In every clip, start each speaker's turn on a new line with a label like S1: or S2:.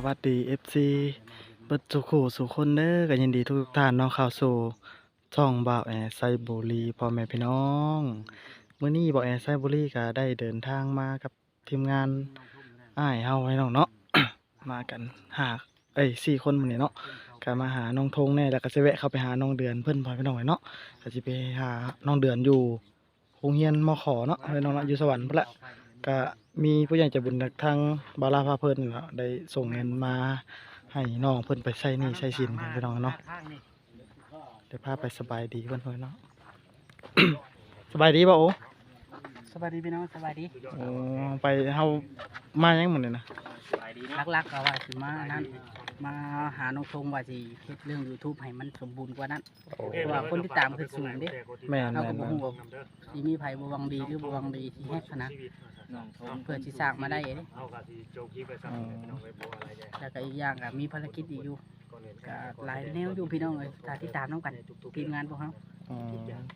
S1: วัสดี FC เบิดสุขุสุคนเด้อก็ยินดีทุกท่านเนาะเข้าสู่ช่องบ่าวแอไซบุรีพ่อแม่พี่น้องมื้อนี้บ่าวแอไซบุรีก็ได้เดินทางมากับทีมงานอ้ายเฮาให้น้องเนาะ มากัน4คนมื้อนี้เนาะก็มาหาน้องธงแน่แล้วก็สิแวะเข้าไปหาน้องเดือนเพิ่นพ่อพี่น้องเนาะก็สิไปหาน้องเดือนอยู่โรงเรียนมขเนาะพี่น้องเนาะอยู่สวรรค์พุ่นแหละ ก็มีผู้ใหญ่ใจบุญจากทางบาลาพาเพิ่นเนาะได้ส่งเงินมาให้น้องเพิ่นไปใช้หนี้ใช้สินไปน้องเนาะเดี๋ยวพาไปสบายดีเพิ่นเนาะ สบายดีป่ะโอ้
S2: สวัสดีพี่น้องสวัสดี
S1: โอ้ไปเฮามายังหมดเลยนะ
S2: ลักๆก็ว่าสิมานั่นมาหาน้องธงว่าสิเฮ็ดเรื่อง YouTube ให้มันสมบูรณ์กว่านั้นเพราะว่าคนที่ตามคือสูงเด้
S1: แม่น
S2: เรา
S1: แม่
S2: ก็
S1: น
S2: บ่
S1: แม่น
S2: ฮู้ว่าสิมีไผบ่หวังดีหรือบ่หวังดีที่เฮ็ดนะเพื่อสิสร้างมาได้เด้
S1: อ๋อ
S2: แล้วก็อีกอย่างก็มีภารกิจอีกอยู่ก็หลายแนวอยู่พี่น้องเอ้ยถ้าติดตามนํกันทีมงานพวกเฮา
S1: อ๋อ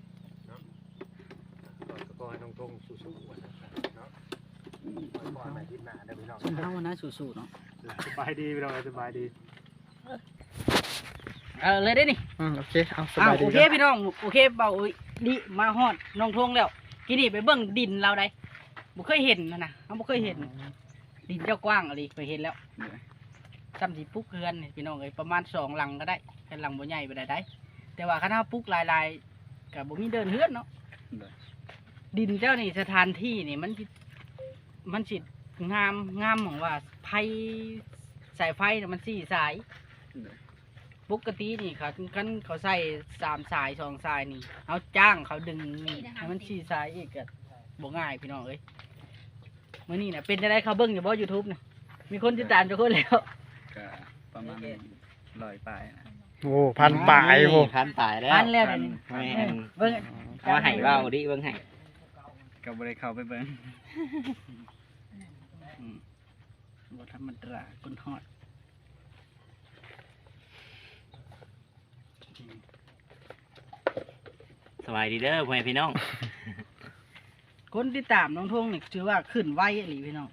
S3: ก็ให้น้องทงสู้ๆเนาะขอให้ทีมหน้าได้พี่น้อง
S2: ซุมเฮานะสู้ๆเนาะ
S3: สบายดีพี่น้องสบายดี
S2: เลยได้นี่
S1: โอเคเอาสบายดี
S2: โอเคพี่น้องโอเคเบาอุ้ยดิมาฮอดน้องธงแล้วกินนี่ไปเบิ่งดินเราได้บ่เคยเห็นนะเฮาบ่เคยเห็น ดินเจ้ากว้างอะไรไปเห็นแล้วซ้ำสิปลูกเรือนนี่พี่น้องเอ้ยประมาณ2 หลังก็ได้แค่หลังบ่ใหญ่บ่ได้แต่ว่าคันเฮาปลูกหลายๆก็บ่มีเดินเฮือนเนาะดินเจ้านี่สถานที่นี่มันสิงามหม่องว่าไผสายไฟน่ะมัน4 สายปกตินี่คันเขาใส่3 สาย2 สายนี่เฮาจ้างเขาดึงนี่ให้มัน4 สายอีกก็บ่ง่ายพี่น้องเอ้ยมื้อนี้น่ะเป็นจังได๋เขาเบิ่งอยู่บ่ YouTube น่ะมีคนติดตามจักคนแล้ว
S4: ก็ประมาณ100 ปลายนะ
S1: โอ้พันปลายโห
S4: พันปลายแล้ว
S2: พันแล้วเดี๋ยวนี้
S4: แม่น
S2: เบิ่ง
S4: ว่าให้เว้าดิเบิ่งให้ก็บ่ได้เข้าไปเบิ่ง
S2: บ่ธรรมดาคนฮอด
S4: สบายดีเด้อพ่อแม่พี่น้อง
S2: คนติดตามน้องทงนี่ถือว่าขึ้นไวอีหลีพี่น้อง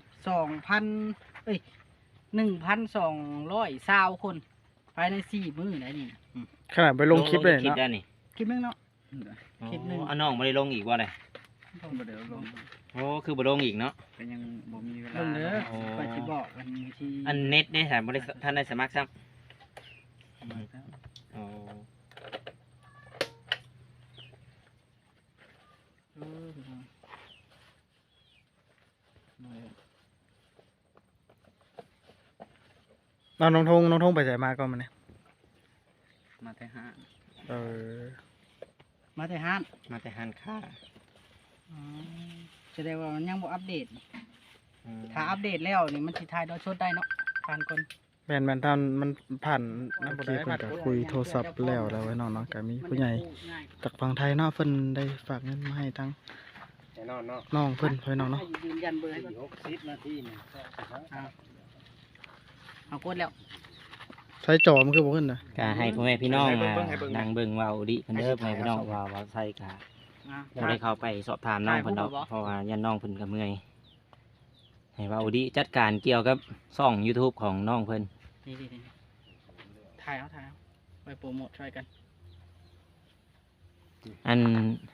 S2: 2,0001,220 คนภายใน4 มื้อได้นี่
S1: ขนาดไปลงคลิปเลย
S4: คลิป
S1: เนาะ
S4: ได้นี่
S2: คลิปนึงเนาะ คลิปหนึ่ง
S4: อ๋อน้องบ่ได้ลงอีกบ่ได้
S3: บ่ได้ลง
S4: โอ้คือบ่ลงอีกเนาะ
S3: ก็ยังบ่มีเวลา
S2: เบิ่งเด้อ
S4: โอ้
S2: ไปสิบอกกันที่
S4: อันเน็ตได้ค่ะบ่ได้ท่านได้สมัครซ้ำอ๋อ
S1: น้องธงไปใส่มาก่อนมันเนี่ย
S4: มาแต่ห้าง
S1: เออ
S2: มาแต่ห้าน
S4: มาแต่ห้างค้า
S2: แสดงว่ามันยังบ่อัปเดต
S4: อืม
S2: ถ้าอัปเดตแล้วนี่มันสิถ่ายดาวชดได้เนาะผ่านคน
S1: แม่นท่านมันผ่านน้ำคลิปเพิ่นก็คุยโทรศัพท์แล้วไว้น้องเนาะก็มีผู้ใหญ่จากฝั่งไทยเนาะเพิ่นได้ฝากเงินมาให้ทั้ง
S3: แน่นอนเนาะ
S1: น้องเพิ่นไว้น้องเนาะ
S2: ยืนยันเบอร์ให้ก่อน
S3: 60 นาทีนี่
S2: เอากดแล้ว
S1: ใช้จอมันคือบ่ขึ้นน่ะ
S4: ก็ให้พ่อแม่พี่น้องนั่งเบิ่งเว้าดิเพิ่นเด้อพ่อแม่พี่น้องว่าใส่ก็ บ่ได้เข้าไปสอบถามน้องเพิ่นดอกเพราะว่ายันน้องเพิ่นก็เมื่อยให้เว้าดิจัดการเกี่ยวกับช่อง YouTube ของน้องเพิ่น
S2: นี่ถ่ายเอาไปโปรโมทช่วยกัน
S4: อัน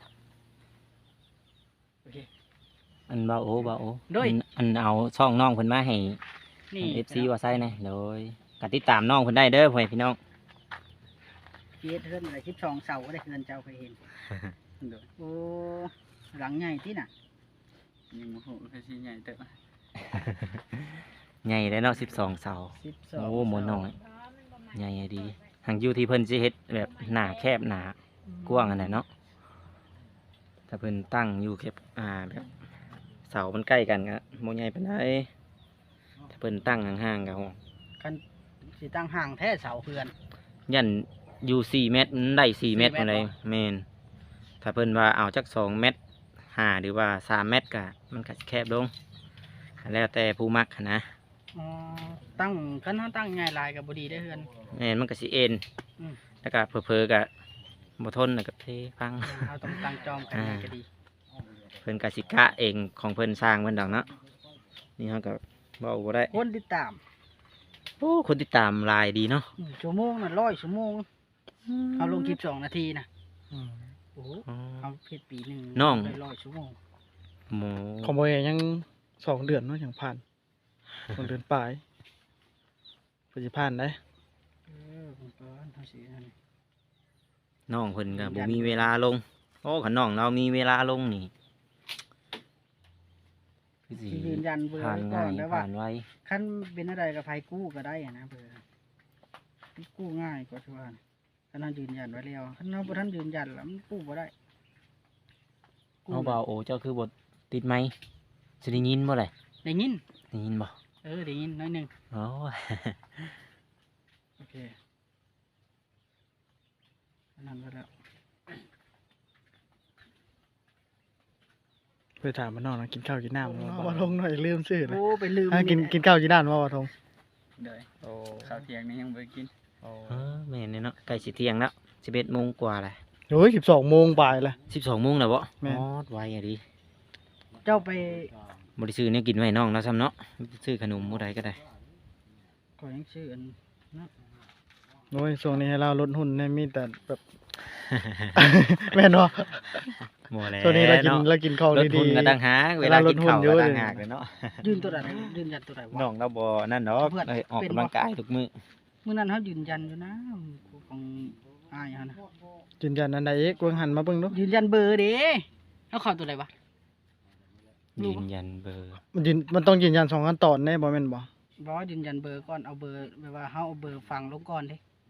S2: โอเค
S4: อันเบาโอ
S2: โดย
S4: อันเอาช่องน้องเพิ่นมาให้
S2: นี่
S4: FC ว่าใส่นะโดยก็ติดตามน้องเพิ่นได้เด้อพ่อแม่พี่น้อง
S2: เฮ็ดเฮือนอะไร12 เสาก็ได้เฮือนเจ้าเคยเห็นโอ้หลังใหญ่ติน่ะ
S4: ยังบ่ฮู้คือสิใหญ่เด้อใหญ่เลยเนาะ12เสา
S2: 12
S4: โอ้หมดน้อยใหญ่ดีทางอยู่ที่เพิ่นสิเฮ็ดแบบหน้าแคบหน้ากว้างอันนั้นเนาะถ้าเพิ่นตั้งอยู่แคบแบบเสามันใกล้กันก็บ่ใหญ่ปานใดถ้าเพิ่นตั้งห่างๆก็
S2: คันสิตั้งห่างแท้เสาเฮือน
S4: ยันอยู่4 เมตรมันได้4 เมตร
S2: 4 เมตร
S4: ปานใด
S2: บ่
S4: แม่นถ้าเพิ่นว่าเอาจัก2 เมตร5หรือว่า3 เมตรก็มันก็สิแคบลงแล้วแต่ผู้มักหั้นนะ
S2: อ๋อตั้งคันเฮาตั้งใหญ่หลายก็บ่ดีได้อเฮือน
S4: แม่นมันก็สิเอ็น
S2: อืม
S4: แล้วก็เผลอๆก็บ่ทนแล้วก็เทพัง
S2: เฮาต้องตั้งจอมกันใหญ่ก็ดี
S4: เพิ่นก็สิกะเองของเพิ่นสร้างเพิ่นดอกเนาะนี่เฮาก็เว้าบ่ได้
S2: คนติดตาม
S4: โอ้คนติดตามหลายดีเนาะ
S2: ชั่วโมงน่ะ100ชั่วโมงเอาลงคลิป2นาทีน่ะ
S1: อืม
S2: โอ้โห
S4: อ๋อ
S2: เอาเฮ็ดปีหนึง
S4: น้อง
S2: ได้100ชั่วโมง
S4: หมู
S1: ของบ่เอยัง2 เดือนเนาะยังผ่าน2 เดือนปลายเพิ่นสิผ่านได้
S2: ผมก็เฮาสินั่น
S4: น้องเพิ่นก็บ่มีเวลาลงโอ้คันน้องเรามีเวลาลงนี่คือสิ
S2: สิยืนยันเบอร์
S4: ผ่าน
S2: ไว้ก่
S4: ง่า
S2: อน
S4: ย
S2: ได้ว่า
S4: ผ่านไว
S2: คันเป็นอะไรกับไผกู้ก็ได้อะนะเบอร์กู้ง่ายกว่าที่ว่าคันนั้นยืนยันไว้แล้วคันเราบ่ทันยืนยันแล้วมันกู้บ่ได้กู้
S4: เอาเบาโอเจ้าคือบทติดไหมสิได้ยินบ่เลย
S2: ได้ยิน
S4: ได้ยินบ่
S2: ได้ยินน้อยหนึง
S4: โอ้ย
S2: โอเคอันนั้นไปแล้ว
S1: ไปถามมันน้องนะกินข้าวกินน้ำบ่ทงหน่อยลืมชื่อนะ
S2: โอ้ไปลืม
S1: กินข้าวกินน้ำบ่ทง
S2: เด้อ
S1: โอ้
S2: ข้าวเที่ยงนี่ยังบ่ได้กิน
S1: โอ้
S4: เออแม่นเนาะใกล้สิเที่ยงแล้ว11 โมงกว่าแหละ
S1: โอ้ย12 โมงบ่ายละ
S4: 12 โมงแล้วบ่
S1: แม่น
S4: อ๋อไวอะดิ
S2: เจ้าไป
S4: บ่ได้ซื้อเนี่ยกินไว้น้องแล้วซ้ำเนาะซื้อขนมบ่ได้ก็ได้
S2: ก็ยังชื่ออันนะ
S1: โอ้ยช่วงนี้ให้เราลดหุ่นเนี่ยมีแต่แบบ แม่นบ่
S4: บ่แล้ว
S1: ช่วงนี้เรากิน
S4: เนาะ
S1: เรากินของ
S4: รถ
S1: ดี
S4: หุ่นก็ต่างหากเวลากินข้าวก็ต่างหากเลยเนาะ
S2: ยืนตัวใดยืนยันตัวใดวะ
S4: น้องเราบ่นั่นเนาะ
S2: เพื่อน
S4: เอ้ยออก
S2: เป็น
S4: กำ
S2: บ่
S4: ลังกายทุกมื้อ
S2: มื้อนั้นเขายืนยันอยู่นะของอ้ายเขานะ
S1: ยืนยันอันใดอีกเบิ่งหันมาเบิ่งดู
S2: ยืนยันเบอร์เด้เขาเข้าตัวใดวะ รู้
S4: ยื
S2: ปะ
S4: นยันเบอร์
S1: มันต้องยืนยัน2 ขั้นตอนแน่บ่แม่นบ่
S2: บอกว่ายืนยันเบอร์ก่อนเอาเบอร์แบบว่าเขาเอาเบอร์ฟังลงก่อนเด้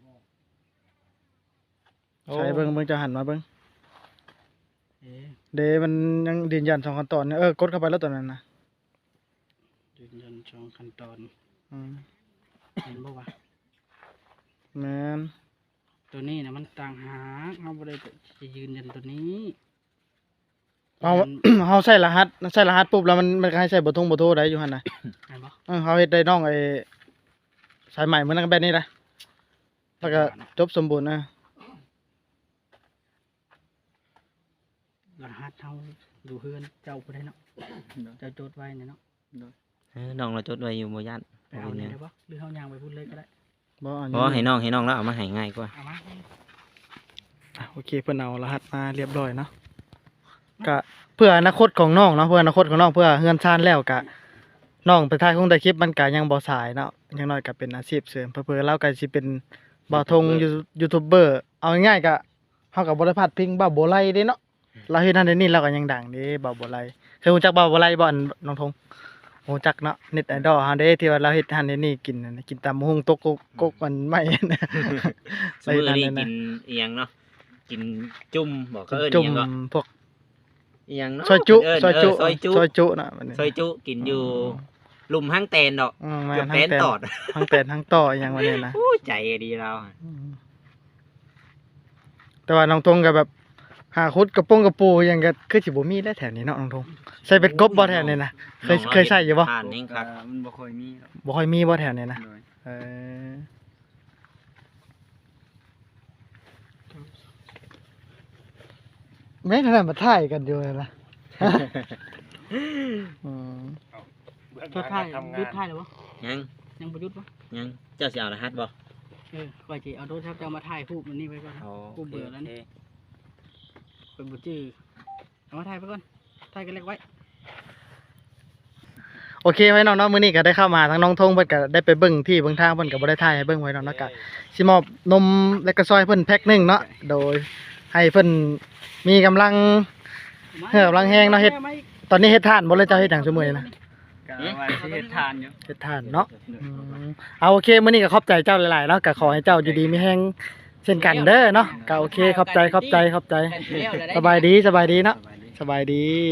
S1: ใช้เบิ่งจะหันมาเบิ่ง
S2: เอ๊ะ
S1: เดมันยังยืนยัน2 ขั้นตอนเนี่ยกดเข้าไปแล้วตอนนั้นนะ
S2: ยืนยันช่องขั้นตอน
S1: อืม
S2: เห็นบ่วะ
S1: แม่น
S2: ตัวนี้นะมันต่างหากเขาบ่ได้จะยืนยันตัวนี้
S1: เอา เฮาใส่รหัสปุ๊บแล้วมันก็ให้ใส่เบอร์โทรได้อยู่หั่นน่ะ
S2: เห็นบ่
S1: เฮาเฮ็ดได้น้องไอ้สายใหม่เหมือนกันแบบนี้นะแล้วก็จบสมบูรณ์นะ
S2: รหัสเขาดูเฮือนเจ้าบ่ได้เนาะเจ้าจดไว้เนี่ยเนาะ
S4: น้องเราจดไว้อยู่บ่ย่าน
S2: ไปเอาเนี่ยได้บ่หรือเฮาย่างไปพูดเลยก็ได้
S1: บ่อัน
S4: เพราะให้น้องแล้วเอามาให้ง่ายกว่า
S2: เอามา
S1: โอเคเพิ่นเอารหัสมาเรียบร้อยเนาะก็เพื่ออนาคตของน้องเนาะเพื่ออนาคตของน้องเพื่อเฮือนชานแล้วก็น้องไปถ่ายคงได้คลิปมันก็ยังบ่สายเนาะอย่างน้อยก็เป็นอาชีพเสริมเพื่อๆเราก็สิเป็นบ่าวทงยูทูบเบอร์เอาง่ายๆก็เฮาก็บ่ได้พลาดพิงบ่าวโบไลเด้เนาะเราเฮ็ดนั่นเฮ็ดนี่เราก็ยังดังเด้บ่าวโบไลเคยรู้จักบ่าวโบไลบ่อันน้องทงรู้จักเนาะเน็ตไอดอลเฮาเด้ที่ว่าเราเฮ็ดหั่นเฮ็ดนี่กินนั่นน่ะกินตำบักหุ่งตกกกมันไม่
S4: สมื้อนี้กินอีหยังเนาะกินจุ่มบอกเขาเอิ้น
S1: จุ่
S4: อี
S1: ม
S4: หยังก็
S1: พวก
S4: อีหยังเนาะ
S1: ซอยจุ
S4: เน
S1: ซอยจุ
S4: ซอยจุ
S1: ซอยจุน่ะมันนี่
S4: ซอยจุกินอยู่หลุมห้างแตนดอก
S1: แม่
S4: เกือบ
S1: น
S4: แตนตอด
S1: ทั้งแตนทั้งต่ออหยังวันนี้นะ
S4: โอ้ยใจดีเราอะ
S1: แต่ว่าน้องทงก็แบบหาคุดกระโปงกระปูอหยังก็คือสิบ่มีได้แถวนี้เนาะน้องทงใส่เป็ดกบบ่แถวนี้นะเคยใส่อยู่บ่
S4: ผ่านเองครับ
S3: มันบ่ค่อยมีหรอก
S1: บ่ค่อยมีบ่แถวนี้นะ
S3: โดย
S1: เออแม่นนั่นมาถ่ายกันอยู่เลยนะอืม
S2: จดถ่ายยุดถ่ายหรือบ่
S4: ยัง
S2: ยังบ่ยุดบ่
S4: ยังเจ้าสิเอารหัสบ่
S2: ก่อนสิเอาโทรศัพท์เจ้ามาถ่ายรูปมันนี่ไว้ก่อน
S4: อ๋อ
S2: กูเบื่อแล้วนี่ เป็นบ่จื้อเอามาถ่ายไปก่อนถ่ายกันเล็กไว้
S1: โอเคไว้น้องเนาะมื้อนี้ก็ได้เข้ามาทั้งน้องทงเพิ่นก็ได้ไปเบิ่งที่เบิ่งทางเพิ่นก็บ่ได้ถ่ายให้เบิ่งไว้เนาะแล้วก็สิมอบนมและก็ซอยเพิ่นแพ็คหนึงเนาะโดยให้เพิ่นมีกำลัง เฮ้ยกำลังแห้งเนาะเฮ็ด ตอนนี้เฮ็ดทานบ่เลยเจ้าเฮ็ดหยังซุมื้อนี้นะ
S3: ก็ว่าสิเฮ็ดทานอยู่
S1: เฮ็ดทานเนาะเอาโอเคมื้อนี้ก็ขอบใจเจ้าหลายๆเนาะก็ขอให้เจ้าอยู่ดีมีแฮงเช่นกันเด้อเนาะก็โอเคขอบใจ
S2: กันแล้วแล้วได้
S1: สบายดีเนาะ
S3: สบายดี
S1: สบายดี